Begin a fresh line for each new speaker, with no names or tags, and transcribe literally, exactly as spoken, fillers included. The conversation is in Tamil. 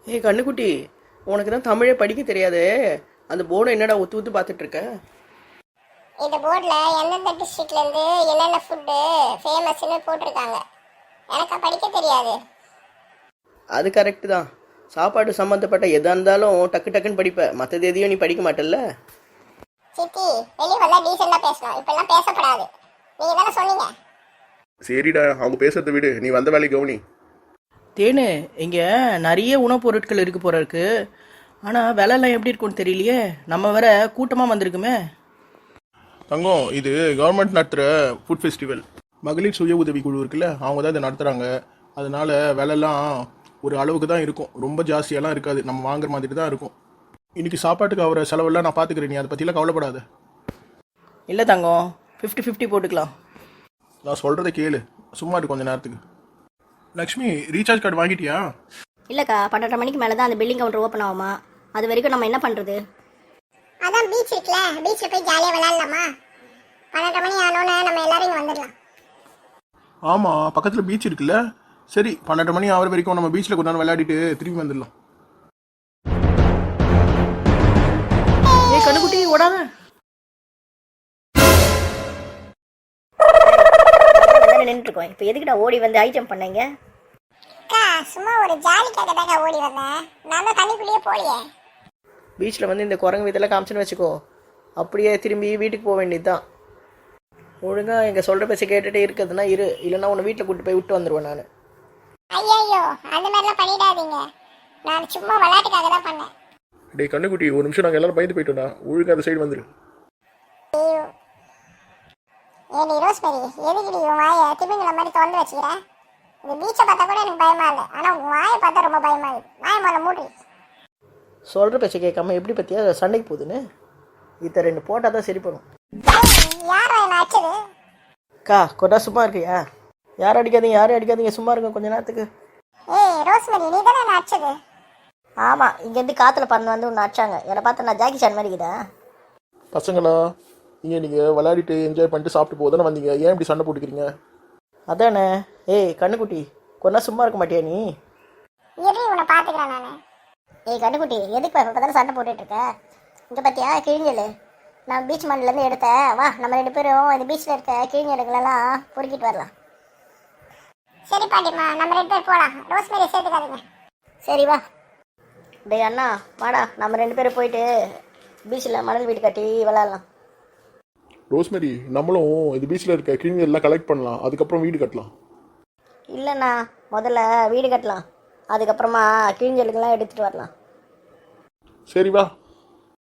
ஏய் கண்ணுக்குட்டி, உனக்கு தான் தமிழே படிக்க தெரியாது. அந்த போர்டை என்னடா ஒத்து ஒத்து பார்த்துட்டு இருக்க?
இந்த போர்டில் எந்தெந்த டிஸ்ட்ரிக்ட்லேருந்து என்னென்ன ஃபுட்டு ஃபேமஸ்ன்னு போட்டிருக்காங்க. எனக்கா படிக்க தெரியாது.
அது கரெக்டு தான். சாப்பாடு சம்மந்தப்பட்ட எதாக இருந்தாலும் டக்கு டக்குன்னு படிப்ப, மற்றது எதையும் நீ படிக்க மாட்டல்ல.
சித்தி, வெளியே வந்தா டீசெண்டாக பேசணும், இப்பெல்லாம் பேசப்படாது. நீங்கள் தானே சொன்னீங்க.
சரிடா, அவங்க பேசுறதை விடு, நீ வந்த வேலையை கவனி.
தேனு, இங்கே நிறைய உணவுப் பொருட்கள் இருக்கு போல இருக்கு. ஆனால் விலைலாம் எப்படி இருக்குன்னு தெரியலையே. நம்ம வேற கூட்டமாக வந்திருக்குமே.
தங்கம், இது கவர்மெண்ட் நடத்துகிற ஃபுட் ஃபெஸ்டிவல். மகளிர் சுய உதவி குழு இருக்குல்ல, அவங்க தான் இதை நடத்துகிறாங்க. அதனால விலைலாம் ஒரு அளவுக்கு தான் இருக்கும், ரொம்ப ஜாஸ்தியெல்லாம் இருக்காது, நம்ம வாங்குற மாதிரி தான் இருக்கும். இன்னைக்கு சாப்பாட்டுக்கு ஆகிற செலவெல்லாம் நான் பார்த்துக்கிறேன், நீ அதை பற்றிலாம் கவலைப்படாத.
இல்லை தங்கம், ஃபிஃப்டி ஃபிஃப்டி போட்டுக்கலாம்.
நான் சொல்கிறத கேளு, சும்மா இருக்கு கொஞ்சம் நேரத்துக்கு. லக்ஷ்மி, ரீசார்ஜ் கார்டு வாங்கிட்டியா?
இல்லைக்கா, பன்னெண்டரை மணிக்கு மேலே தான் அந்த பில்லிங் கவுண்டர் ஓப்பன் ஆகுமா. அது வரைக்கும் நம்ம என்ன பண்ணுறது?
அதான் பீச் இருக்குல்ல, பீச்சில் போய் ஜாலியாக விளையாடலாமா? பன்னெண்டரை மணி ஆனோன்னு நம்ம எல்லாரும் இங்கே வந்துடலாம்.
ஆமாம், பக்கத்தில் பீச் இருக்குல்ல. சரி, பன்னெண்டு மணி ஆகிற வரைக்கும் நம்ம பீச்சில் கொஞ்ச நேரம் விளையாடிட்டு திரும்பி வந்துடலாம்.
ஏய் கண்ணுக்குட்டி, ஓடாத.
நின்றுருக்கோம். இப்போ எதுக்கிட்ட ஓடி வந்து ஐட்டம் பண்ணீங்க?
அக்கா, சும்மா ஒரு ஜாலிக்காக தாங்க ஓடி வந்தேன். நான் தான் தண்ணிக்குள்ளேயே போலியே.
பீச்சில் வந்து இந்த குரங்கு வீதெல்லாம் காமிச்சுன்னு வச்சுக்கோ, அப்படியே திரும்பி வீட்டுக்கு போக வேண்டியது தான். ஒழுங்காக எங்கள் சொல்கிற பேச கேட்டுகிட்டே இருக்கிறதுனா இரு, இல்லைன்னா உன்னை வீட்டில் கூப்பிட்டு போய் விட்டு வந்துடுவேன் நான்.
ஐயோ, அந்த மாதிரிலாம் பண்ணிடாதீங்க. நான் சும்மா விளையாட்டுக்காக தான் பண்ணேன்.
டேய் கண்ணுக்குட்டி, ஒரு நிமிஷம் நாங்கள் எல்லாரும் பயந்து போயிட்டோம்டா, ஒழுங்காக அந்த சைடு வந்துரு.
ஐயோ, ஏடி ரோஸ்மெரி, எதுக்கு நீ உன் வாயை திமிங்கிற மாதிரி திறந்து வச்சுக்கிறேன்? இந்த பீச்சை பார்த்தா கூட எனக்கு பயமா இல்லை, ஆனால் உன் வாயை பார்த்தா ரொம்ப பயமா இருக்கு. வாயை முதல்ல மூடி.
சொல்கிற பேச்சை கேட்காம எப்படி பற்றியா சண்டைக்கு போகுதுன்னு. இத்த ரெண்டு போட்டால் தான் சரி பண்ணும்.
யார் என்ன அடிச்சது?
அக்கா, கொண்டா சும்மா இருக்கியா? யாரும் அடிக்காதீங்க, யாரும் அடிக்காதீங்க, சும்மா இருங்க கொஞ்ச நேரத்துக்கு.
ஏய் ரோஸ்மெரி, நீ தானே என்ன அடிச்சது?
ஆமாம், இங்கேருந்து காற்றுல பறந்து வந்து ஒன்று அடிச்சாங்க. என்னை பார்த்து நான் ஜாக்கி சான் மாதிரி இருக்குதா?
பசங்களா, நீங்கள் நீங்கள் விளையாடிட்டு என்ஜாய் பண்ணிட்டு சாப்பிட்டு போதானே வந்தீங்க, ஏன் இப்படி சண்டை போட்டுக்கிறீங்க?
அதானே. ஏய் கண்ணுக்குட்டி, கொண்டா சும்மா இருக்க மாட்டியா நீ?
இரு, உன்னை பார்த்துக்கிறேன் நான்.
ஏய் கண்டுக்குட்டி, எதுக்கு இப்போ தானே சண்டை போட்டுட்டு இருக்க? இங்கே பார்த்தியா கிழிஞ்சல், நான் பீச் மண்ணிலேருந்து எடுத்தேன். வா, நம்ம ரெண்டு பேரும் இந்த பீச்சில் இருக்க கிழிஞ்சலுங்களெல்லாம் பொறுக்கிட்டு வரலாம்.
சரி பாட்டிம்மா, நம்ம ரெண்டு பேர் போகலாம். ரோஸ்மெரி சேர்த்துக்காதீங்க.
சரி வா. டேய் அண்ணா, வாடா, நம்ம ரெண்டு பேரும் போயிட்டு பீச்சில் மணல் வீடு கட்டி விளாட்லாம்.
ரோஸ்மெரி, நம்மளும் இது பீச்சில் இருக்க கிளீன் எல்லாம் கலெக்ட் பண்ணலாம், அதுக்கப்புறம் வீடு கட்டலாம்.
இல்லைண்ணா, முதல்ல வீடு கட்டலாம், அதுக்கப்புறமா கிழிஞ்சலுக்கெல்லாம் எடுத்துகிட்டு வரலாம்.
சரி வா.